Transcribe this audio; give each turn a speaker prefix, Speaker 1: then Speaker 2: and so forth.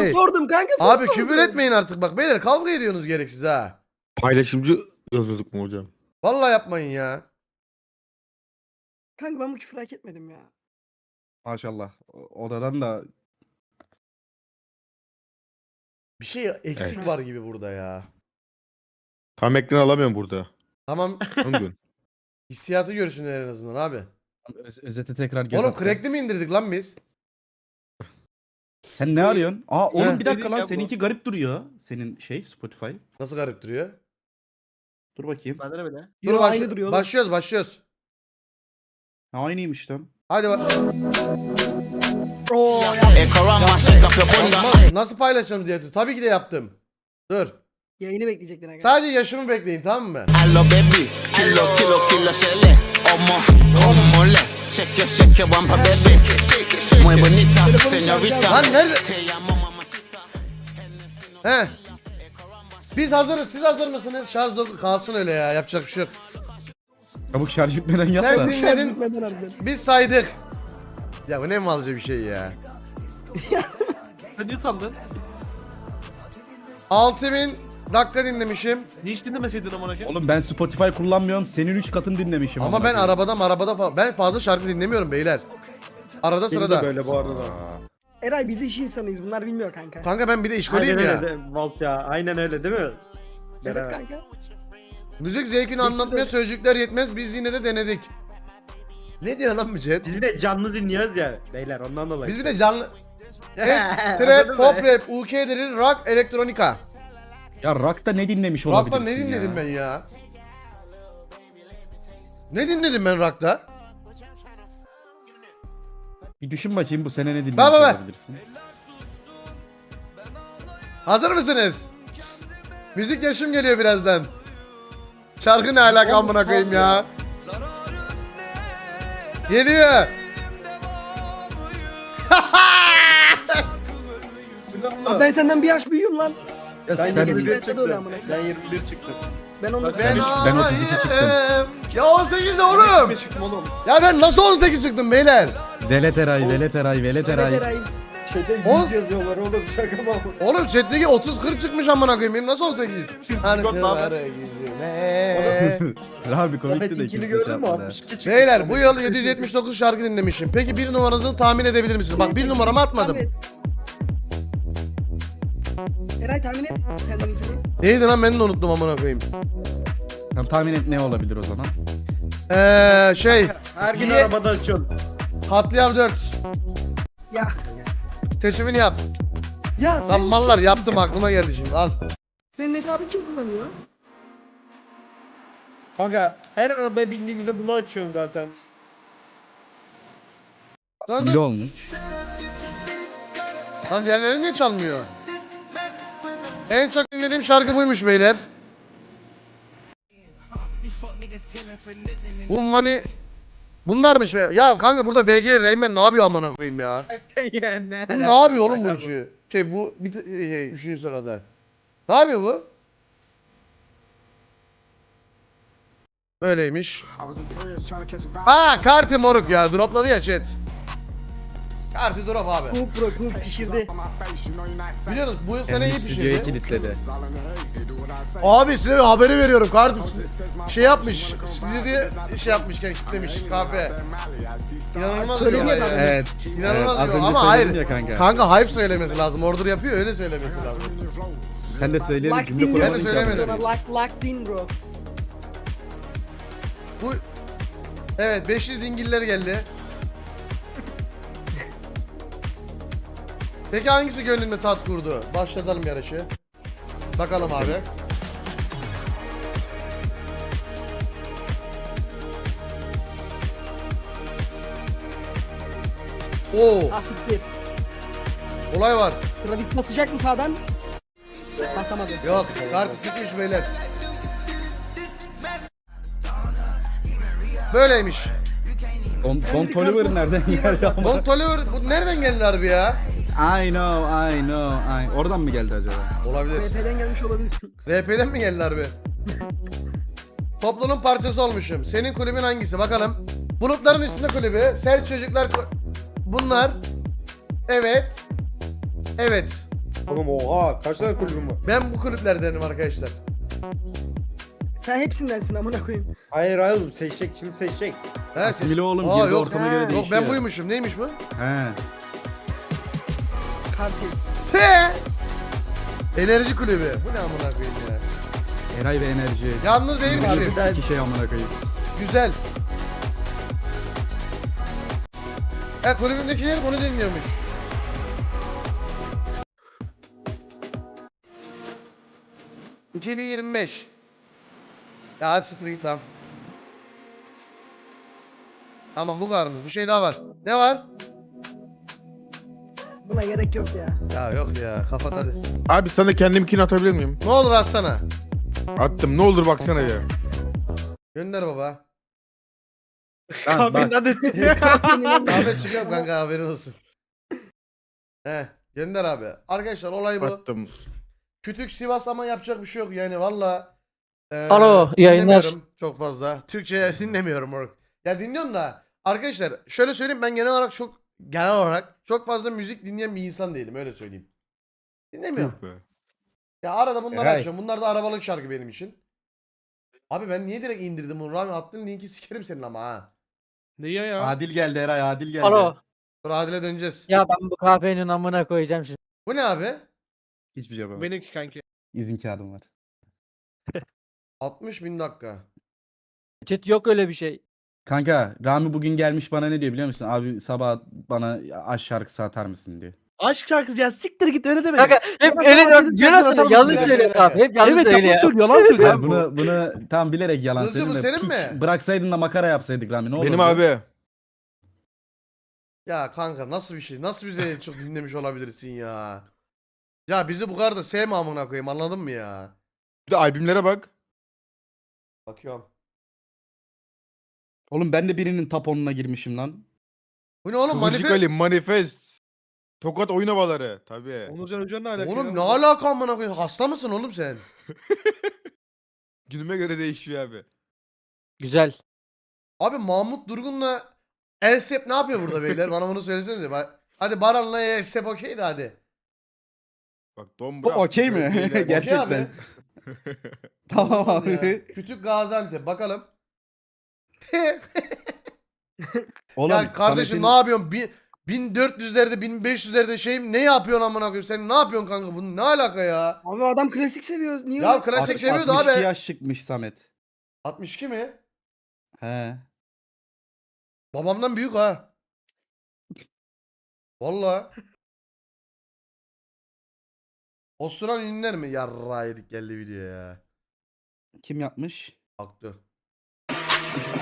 Speaker 1: Sana sordum kanka. Sana
Speaker 2: Abi
Speaker 1: sordum.
Speaker 2: küfür etmeyin artık bak beyler, kavga ediyorsunuz gereksiz ha.
Speaker 3: Paylaşımcı yazıyorduk mu hocam?
Speaker 2: Vallahi yapmayın ya.
Speaker 1: Kanka ben bu küfür hak etmedim ya.
Speaker 4: Maşallah. Odadan da
Speaker 2: Bir şey eksik
Speaker 3: Evet.
Speaker 2: var gibi burada ya.
Speaker 3: Tam ekran alamıyorum burada.
Speaker 2: Tamam,
Speaker 3: Onu diyorsun.
Speaker 2: hissiyatı görsünler en azından abi.
Speaker 4: özete tekrar göz
Speaker 2: Oğlum
Speaker 4: attım.
Speaker 2: crackli mi indirdik lan biz?
Speaker 4: Sen ne arıyorsun? Aa oğlum
Speaker 2: Heh.
Speaker 4: bir dakika lan
Speaker 5: Dedik ya bu.
Speaker 4: seninki garip duruyor. Senin Spotify.
Speaker 2: Nasıl garip duruyor?
Speaker 4: Dur bakayım.
Speaker 5: Bende de böyle.
Speaker 2: Dur
Speaker 1: Yo, aynı duruyor oğlum.
Speaker 2: başlıyoruz.
Speaker 4: Ha, aynıymış lan.
Speaker 2: Hadi bak.
Speaker 1: Oo ya.
Speaker 2: Nasıl paylaşalım diye. Tabii ki de yaptım. Dur.
Speaker 1: Yayını bekleyecektin aga.
Speaker 2: Sadece yaşımı bekleyin, tamam mı?
Speaker 6: Hello baby, kilo sele, como le, shake wampa baby, muy bonita, señorita,
Speaker 2: Lan nerede?
Speaker 6: te llamo mamacita.
Speaker 2: He. Biz hazırız. Siz hazır mısınız? Şarj kalsın öyle ya. Yapacak bir şey yok.
Speaker 4: Çabuk şarj bitmeden yap
Speaker 2: Sen
Speaker 4: da.
Speaker 2: dinledin.
Speaker 1: Bitmeden harbiden.
Speaker 2: Biz saydık. Ya bu ne malca bir şey ya.
Speaker 5: Sen niye utandın?
Speaker 2: 6000 dakika dinlemişim.
Speaker 5: Niye hiç dinlemeseydin amına koyayım?
Speaker 4: Oğlum ben Spotify kullanmıyorum. Senin 3 katın dinlemişim.
Speaker 2: Ama
Speaker 4: amına
Speaker 2: ben
Speaker 4: koyayım.
Speaker 2: arabada ben fazla şarkı dinlemiyorum beyler. Arada sırada.
Speaker 4: böyle bu arada.
Speaker 1: Eray biz iş insanıyız. Bunlar bilmiyor kanka.
Speaker 2: Kanka ben bir de işkoliyim ya.
Speaker 5: Volt ya. Aynen öyle değil mi?
Speaker 1: Evet kanka.
Speaker 2: Müzik zevkini anlatmaya sözcükler yetmez. Biz yine de denedik. Ne diyor lan Mücet?
Speaker 5: Biz bir de canlı dinliyoruz ya beyler ondan dolayı.
Speaker 2: Biz bir de canlı... Trap, pop rap, UK drill, rock, elektronika.
Speaker 4: Ya rock'ta ne dinlemiş olabilirsin
Speaker 2: Rock'ta ne dinledim
Speaker 4: ya?
Speaker 2: ben ya? Ne dinledim ben rock'ta?
Speaker 4: Bir düşün bakayım bu sene ne dinlemiş
Speaker 2: Bak.
Speaker 4: olabilirsin.
Speaker 2: Hazır mısınız? Müzik yaşım geliyor birazdan. Şarkı ne alaka amına koyayım ya? Geliyor.
Speaker 1: Abi ben senden bir yaş büyüğüm lan.
Speaker 4: Ya
Speaker 5: Ben
Speaker 4: sen,
Speaker 5: 21
Speaker 1: Gerçekten öyle amına
Speaker 5: çıktım.
Speaker 1: koyayım.
Speaker 5: Ben 21 çıktım.
Speaker 1: Ben onu
Speaker 4: Ben 32 çıktım.
Speaker 2: Ya 18 de oğlum.
Speaker 5: 21 çıktım oğlum.
Speaker 2: Ya ben nasıl 18 çıktım beyler?
Speaker 4: Velet Eray, Velet Eray, Velet Eray.
Speaker 1: Eray.
Speaker 5: Şeyde 100
Speaker 2: On-
Speaker 5: yazıyorlar oğlum şaka mı?
Speaker 2: Oğlum chat'teki 30-40 çıkmış amına koyayım. Benim nasıl 18? Şarkıları yüzüne.
Speaker 4: Abi komikti
Speaker 5: Ahmet
Speaker 4: de
Speaker 5: ikili
Speaker 4: kimse
Speaker 5: gördün
Speaker 4: şey
Speaker 5: mü?
Speaker 4: yapmadı.
Speaker 5: 62 çıktı.
Speaker 2: Beyler bu yıl 779 şarkı dinlemişim. Peki bir numaranızı tahmin edebilir misiniz? Bak bir numaramı atmadım.
Speaker 1: Tahmin et. Eray tahmin et. Kendininkini.
Speaker 2: Neydi lan, ben de unuttum amına koyayım.
Speaker 4: Tamam, tahmin et ne olabilir o zaman?
Speaker 5: Her gün
Speaker 2: Niye?
Speaker 5: arabada açıyorsun.
Speaker 2: Katliam 4.
Speaker 1: Ya.
Speaker 2: Seçimini yap.
Speaker 1: Ya
Speaker 2: Lan mallar yaptım, aklıma geldi şimdi al.
Speaker 1: Senin hesabı kim kullanıyor?
Speaker 5: Kanka her arabaya bindiğimde bunu açıyorum zaten.
Speaker 4: Bile olmuş.
Speaker 2: Lan diğerleri niye çalmıyor? En çok dinlediğim şarkı buymuş beyler. Bunlarmış be. Ya kanka burada BG Rayman ne yapıyor amına koyayım ya? Bu ne yapıyor oğlum bu üçü? Bu bir üçüncü sırada. Ne yapıyor bu? Böyleymiş. Kartı moruk ya, dropladı ya chat. Kartı drop abi.
Speaker 1: Kup pişirdi.
Speaker 2: Biliyorsunuz bu sene iyi
Speaker 4: Stüdyoya
Speaker 2: pişirdi.
Speaker 4: kilitledi.
Speaker 2: Abi size haberi veriyorum. Kartı şey yapmış. Stüdyoya şey yapmışken kitlemiş kahve. İnanılmaz bir
Speaker 1: Söyleniyor
Speaker 2: olay
Speaker 1: kanka.
Speaker 2: ya.
Speaker 4: Evet.
Speaker 2: İnanılmaz
Speaker 4: az
Speaker 2: bir
Speaker 4: önce
Speaker 2: olay. Ama
Speaker 4: söyledin
Speaker 2: hayır.
Speaker 4: ya kanka.
Speaker 2: Kanka hype söylemesi lazım. Order yapıyor, öyle söylemesi lazım.
Speaker 4: Sen de söyleyelim
Speaker 1: Locked
Speaker 4: cümle
Speaker 1: in
Speaker 2: Ben de
Speaker 4: kuramadın ki
Speaker 2: söylemedim.
Speaker 4: abi.
Speaker 1: Locked in bro.
Speaker 2: Bu evet, 500 dingiller geldi. Peki hangisi gönlünde tat kurdu? Başlatalım yarışı. Bakalım abi. Oo,
Speaker 1: Asiktir.
Speaker 2: olay var.
Speaker 1: Travis basacak mı sağdan? Basamadı.
Speaker 2: Yok, kartı çıkmış beyler. Böyleymiş.
Speaker 4: Don Toliver nereden geldi ama?
Speaker 2: Don Toliver bu nereden geldi harbi ya?
Speaker 4: I know. Oradan mı geldi acaba?
Speaker 2: Olabilir.
Speaker 1: BP'den gelmiş olabilir.
Speaker 2: RP'den mi geldi harbi? Topluluğun parçası olmuşum. Senin kulübün hangisi? Bakalım. Bulutların üstünde kulübü. Sert çocuklar bunlar. Evet. Evet.
Speaker 5: Oğlum oha kaç tane kulübüm var?
Speaker 2: Ben bu kulüplerdenim arkadaşlar.
Speaker 1: Sen hepsindensin amına koyayım.
Speaker 5: Hayır oğlum seçecek şimdi seçecek.
Speaker 2: He,
Speaker 4: Asimile oğlum,
Speaker 2: Aa,
Speaker 4: girdi
Speaker 2: yok.
Speaker 4: ortama göre
Speaker 1: Yok,
Speaker 4: değişiyor.
Speaker 2: Yok ben buymuşum. Neymiş bu?
Speaker 4: He.
Speaker 1: Kartel.
Speaker 2: He. Enerji kulübü. Bu ne amına koyayım ya.
Speaker 4: Eray ve enerji.
Speaker 2: Yalnız değilmişim.
Speaker 5: Harbiden.
Speaker 4: İki şey amına koyayım.
Speaker 2: Güzel. Kulübümdekiler bunu dinliyormuş. ...2025. Ya hadi sıfır git lan. Tamam bu kadar mı? Bir şey daha var. Ne var?
Speaker 1: Buna gerek yok ya.
Speaker 2: Ya yok ya kapat hadi.
Speaker 3: Abi sana kendimkini atabilir miyim?
Speaker 2: Ne olur atsana.
Speaker 3: Attım. Ne olur baksana ya.
Speaker 2: Gönder baba.
Speaker 4: Lan bak.
Speaker 2: Ahmet çıkıyor kanka haberin olsun. Gönder abi. Arkadaşlar olay bu.
Speaker 3: Attım.
Speaker 2: Kütük Sivas ama yapacak bir şey yok yani valla.
Speaker 7: Alo, iyi yayınlar.
Speaker 2: dinlemiyorum Çok fazla. Türkçe dinlemiyorum moruk. Ya dinliyorum da arkadaşlar şöyle söyleyeyim ben genel olarak çok fazla müzik dinleyen bir insan değilim öyle söyleyeyim. Dinlemiyorum.
Speaker 3: Yuh be.
Speaker 2: Ya arada bunları
Speaker 5: Eray.
Speaker 2: açıyorum. Bunlar da arabalık şarkı benim için. Abi ben niye direkt indirdim bunu? Rami attığın linki sikerim senin ama ha.
Speaker 3: Niye ya?
Speaker 4: Adil geldi Eray, Adil geldi.
Speaker 7: Alo.
Speaker 2: Dur Adil'e döneceğiz.
Speaker 7: Ya ben bu kahvenin amına koyacağım şimdi.
Speaker 2: Bu ne abi?
Speaker 4: Hiçbir şey yapamam.
Speaker 3: Benimki kanki.
Speaker 4: İzin kağıdım var.
Speaker 2: 60.000 dakika.
Speaker 7: Çet yok öyle bir şey.
Speaker 4: Kanka Rami bugün gelmiş bana ne diyor biliyor musun? Abi sabah bana aşk şarkısı atar mısın diyor.
Speaker 5: Aşk şarkısı ya siktir git öyle deme.
Speaker 7: Kanka hep öyle diyorsun yanlış söylüyor abi. Hep yanlış söylüyor.
Speaker 5: yalan söylüyor.
Speaker 4: Ya bunu tam bilerek yalan
Speaker 2: Hızlı bu
Speaker 4: söyledim de
Speaker 2: senin
Speaker 4: piç
Speaker 2: mi?
Speaker 4: bıraksaydın da makara yapsaydık Rami ne olurdu?
Speaker 3: Benim abi.
Speaker 2: Ya kanka nasıl bir şey? Nasıl bize çok dinlemiş olabilirsin ya? Ya bizi bu kadar da sevme amına koyayım anladın mı ya?
Speaker 3: Bir de albümlere bak.
Speaker 2: Bakıyorum.
Speaker 4: Oğlum ben de birinin top 10'una girmişim lan.
Speaker 2: Bu ne oğlum
Speaker 3: Kıvırcık
Speaker 2: manifest?
Speaker 3: Ali, Manifest. Tokat oyun havaları. Tabii.
Speaker 5: Onurcan Hoca'nın ne alakası?
Speaker 2: Oğlum ne alaka amına koyayım? Hasta mısın oğlum sen?
Speaker 3: Günüme göre değişiyor abi.
Speaker 7: Güzel.
Speaker 2: Abi Mahmut Durgun'la Elsep ne yapıyor burada beyler? Bana bunu söylesenize. Hadi Baran'la Elsep okey de hadi.
Speaker 3: Bak Don
Speaker 4: Bu okey mi?
Speaker 3: Beyler.
Speaker 2: Okey
Speaker 4: Gerçekten.
Speaker 2: abi.
Speaker 4: Tamam
Speaker 2: Olmaz ya.
Speaker 4: abi.
Speaker 2: Küçük Gaziantep bakalım.
Speaker 4: Oğlum
Speaker 2: Ya kardeşim
Speaker 4: Samet'in-
Speaker 2: ne yapıyorsun? 1400'lerde 1500'lerde şey ne yapıyorsun amına koyayım? Sen ne yapıyorsun kanka? Bunun ne alaka ya?
Speaker 1: Abi adam klasik seviyor. Niye
Speaker 2: Ya
Speaker 1: öyle?
Speaker 2: klasik
Speaker 4: Alt-
Speaker 2: seviyordu
Speaker 4: 62
Speaker 2: abi.
Speaker 4: yaş çıkmış Samet.
Speaker 2: 62 mi?
Speaker 4: He.
Speaker 2: Babamdan büyük ha. Valla. Osuran ünlüler mi? Yarra yedik geldi video ya.
Speaker 4: Kim yapmış?
Speaker 2: Aktı.